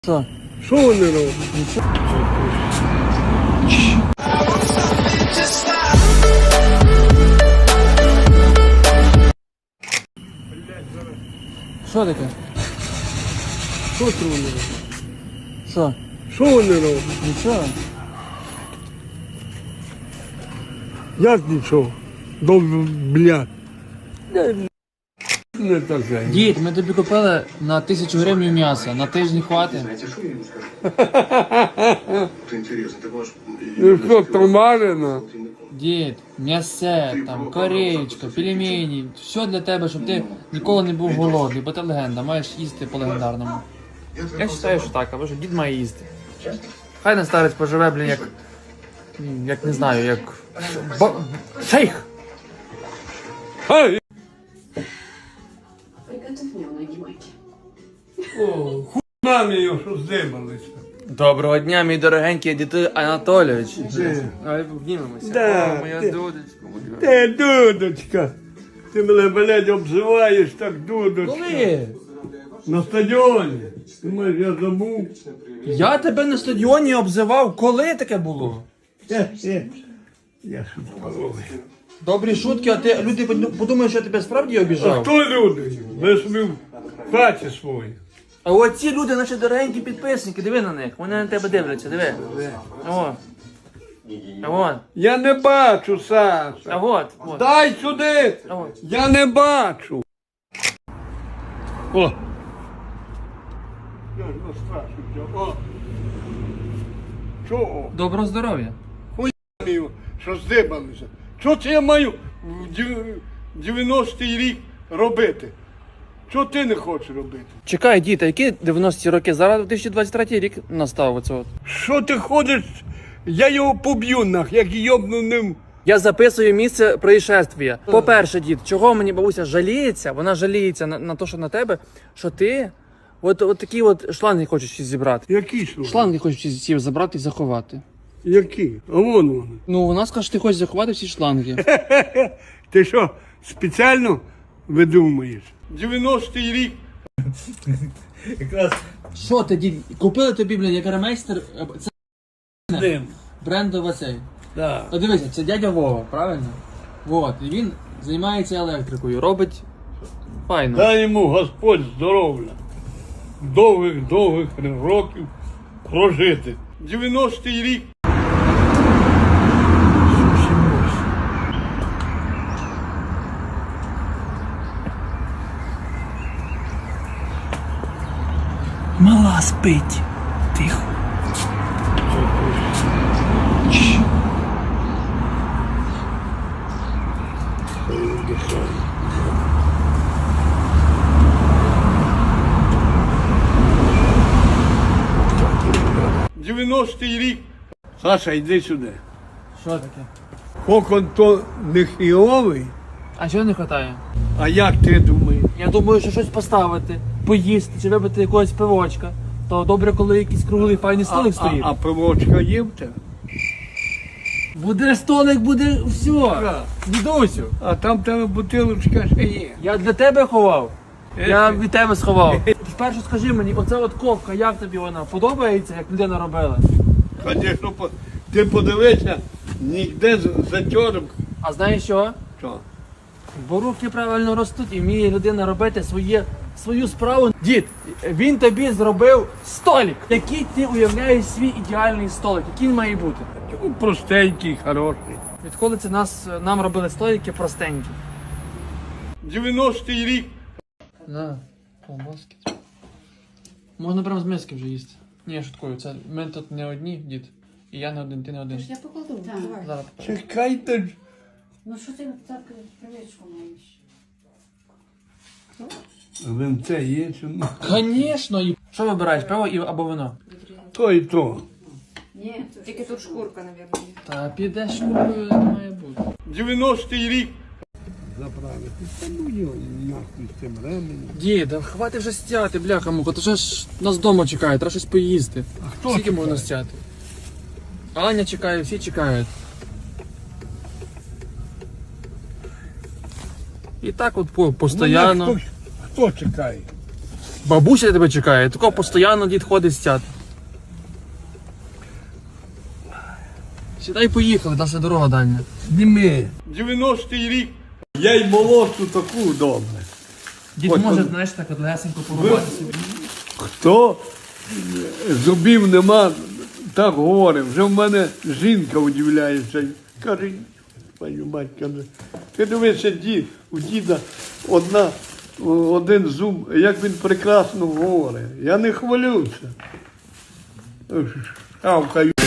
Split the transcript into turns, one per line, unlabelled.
Що?
Що вони роблять?
Що таке?
Що це вони роблять?
Що?
Що вони роблять?
Нічого.
Як нічого? Блядь. Не таке.
Дід, ми тобі купили на 1000 гривень м'яса. На тиждень хватить.
Знаете, что я ему скажу? Это интересно. Ты можешь...
Ну що, томарина?
Дід, м'ясе, там, кореєчка, пельмені. Все для тебе, щоб ти ніколи не був голодний, бо ти легенда, маєш їсти по легендарному. Я вважаю, що так, або що дід має їсти. Хай не старець поживе, блін, як не знаю, як... Шейх!
Ай!
Приготовь мне ноги майки.
О, хуйна його, що здибалися.
Доброго дня, мій дорогенький діти Анатолійович.
Де?
Давай обнімемося.
Да,
О, моя
ти-
дудочка.
Ти, дудочка. Ти мене, блядь, обзиваєш так, дудочка.
Коли?
На стадіоні. Ти маєш, я забув.
Я тебе на стадіоні обзивав. Коли таке було?
Я шутковий.
Добрі шутки, а ти люди подумають, що я тебе справді
А
обіжав.
хто люди? Ви собі в хаті своїй.
А оці люди, наші дорогенькі підписники, диви на них. Вони на тебе дивляться, диви. О. А от.
Я не бачу, Саша.
А от. От.
Дай сюди!
А от.
Я не бачу. О! Я ж настрашився. О! Чого?
Доброго здоров'я.
Мію, що здибалися? Що це я маю в 90-й рік робити? Що ти не хочеш робити?
Чекай, діти, які 90-ті роки? Зараз 2023 рік настав оце от.
Що ти ходиш? Я його поб'ю нах, як йобну ним.
Я записую місце происшествия. По-перше, дід, чого мені бабуся жаліється? Вона жаліється на те, що на тебе, що ти от такі от шланги хочеш всі зібрати.
Які ж?
Шланги хочеш всі забрати і заховати.
Які? А вон вони.
Ну, вона скаже, що ти хочеш заховати всі шланги.
Ти що, спеціально видумуєш? 90-й рік.
Що ти, дід? Купили тобі, блядь, як ремейстер, це
Дим.
брендова цей.
Да.
А дивися, це дядя Вова, правильно? Вот, і він займається електрикою, робить файно.
Дай йому Господь здоров'я. Довгих років прожити. 90-й рік.
Мала спить. Тихо.
— 90-й рік. Саша, йди сюди.
Що таке?
Кокон то не хіовий,
А чого не вистачає?
а як ти думаєш?
Я думаю, що щось поставити, поїсти чи випити якогось пивочка. То добре, коли якийсь круглий файний столик стоїть.
А пивочка є в тебе?
Буде столик, буде все. Дідусю,
А там в тебе бутилочка ще є.
я для тебе ховав. Я від тебе сховав. Спершу скажи мені, оця от ковка, як тобі вона? Подобається, як людина робила?
Звісно, ти подивися, ніде затьорок.
А знаєш що?
Що?
Бо руки правильно ростуть і вміє людина робити свою справу. Дід, він тобі зробив столик. Який ти уявляєш свій ідеальний столик? Який він має бути?
Ну, простенький, хороший.
Відколи це нам робили столики простенькі?
90-й рік.
На, колбаски. Можна прямо з миски вже їсти. Ні, я шуткую, це ми тут не одні, дід. І я не один, ти не один.
Я покладу. Давай.
Зараз.
Чекайте ж.
Ну що ти так привичку маєш?
Винце є чи ні?
Звісно, і що вибираєш, пиво або вино?
То і то.
Ні, тільки тут шкурка, мабуть.
Та підеш шкуркою, не має бути.
90-й рік. Заправити. Та ну його нахуй з цим ременем.
Діда, хватить вже стяти, бляха муха, то ж нас вдома чекає, треба щось поїсти.
А хто
Скільки
чекає?
можна стяти? Аня чекає, всі чекають. І так от
Ну,
постоянно.
хто чекає?
Бабуся тебе чекає, такого постійно дід ходить стяти. Сідай, поїхали, наша дорога дальня.
Зніми. 90-й рік. Я й молодшу таку добре.
Дід
Ось,
може,
он-
знаєш, так от легесенько порубати собі.
Хто зубів нема, так говорить. Вже в мене жінка удивляється. Каже, твою мать, каже, ти дивишся, у діда один зуб, як він прекрасно говорить. Я не хвалюся. Шавкаю.